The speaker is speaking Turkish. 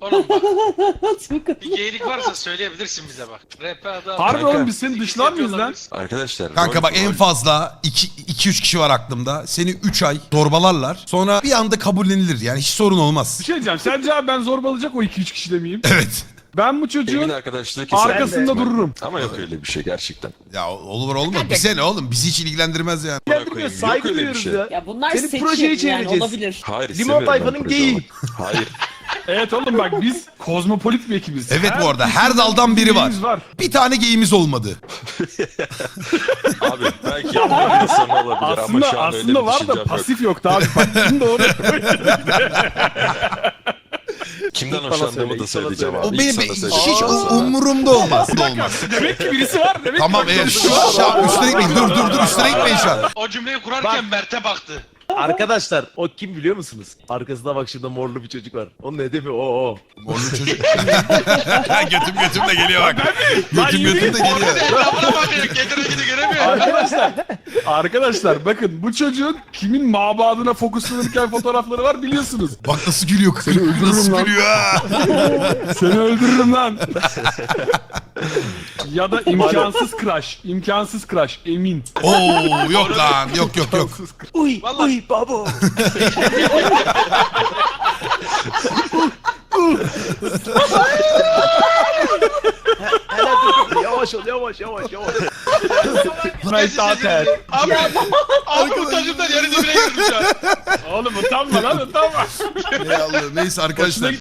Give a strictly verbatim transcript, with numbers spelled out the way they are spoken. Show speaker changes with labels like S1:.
S1: Oğlum bak. Bir geylik varsa söyleyebilirsin bize bak. R P adı
S2: Harbi
S3: Kanka.
S2: oğlum biz seni dışlar mıyız lan?
S3: Arkadaşlar.
S4: Kanka
S3: rol-
S4: bak en
S3: rol-
S4: fazla iki üç kişi var aklımda. Seni üç ay zorbalarlar. Sonra bir anda kabullenilir. Yani hiç sorun olmaz.
S2: Bir şey diyeceğim. Sence abi ben zorbalayacak o iki üç kişi de miyim?
S4: Evet.
S2: Ben bu çocuğun
S3: Emin arkadaşlığı keser.
S2: arkasında dururum.
S3: Ama yok öyle bir şey gerçekten.
S4: Ya olur olmaz. Bize ne oğlum? Bizi hiç ilgilendirmez yani.
S3: Bırakayım, yok
S5: Saygı
S3: öyle bir
S5: duyuyoruz
S3: şey.
S5: ya.
S6: Ya bunlar
S5: Seni
S6: seçim
S5: projeye
S6: yani
S5: çevireceğiz.
S6: olabilir.
S3: Hayır
S5: Limon
S3: istemiyorum ben
S5: tayfanın
S3: proje
S5: geyiği.
S3: olmak. Hayır.
S2: Evet oğlum bak biz kozmopolit bir ekibiz.
S4: Evet bu arada her daldan biri var.
S2: birimiz var.
S4: Bir tane geyimiz olmadı.
S3: Abi belki yapma bir insan olabilir ama
S2: Aslında
S3: şu an öyle
S2: aslında
S3: bir
S2: var
S3: düşüncem
S2: da
S3: yok.
S2: pasif yoktu abi. Bak şimdi doğru.
S3: Kimden
S5: bana
S3: hoşlandığımı
S5: söyle,
S3: da
S5: ilk sana
S3: söyleyeceğim
S5: söyle.
S3: abi.
S4: O benim
S3: İlk sana
S4: hiç
S3: söyleyeceğim.
S4: o- umurumda olmaz. olmaz.
S2: Demek ki birisi var. Demek
S4: Tamam
S2: ki
S4: evet. Şş, şş, üstüne gitmeyin. Dur dur dur üstüne gitmeyin şu an.
S1: O cümleyi kurarken Mert'e baktı.
S5: Arkadaşlar o kim biliyor musunuz? Arkasında bak şurada morlu bir çocuk var. Onun hedefi o o.
S4: Morlu çocuk. götüm götüm de geliyor bak. Götüm
S2: yürü
S4: götüm de geliyor.
S1: Etrafına bakıyor. Getire gidi göremiyor.
S2: Arkadaşlar, arkadaşlar bakın bu çocuğun kimin mabadına fokuslanırken fotoğrafları var biliyorsunuz.
S4: Bak nasıl gülüyor. Nasıl
S2: lan.
S4: gülüyor ha.
S2: Seni öldürürüm lan. Ya da imkansız crush, imkansız crush emin.
S4: Oo yok lan. Yok yok yok.
S5: Uy
S1: Vallahi-
S5: uy babo. Hele dur yavaş ol yavaş yavaş yavaş.
S2: My daughter.
S1: Abi, abi utançımdan yerin dibine girdim şu an.
S2: Oğlum utanma lan utanma.
S4: Ey Allah. Neyse arkadaşlar.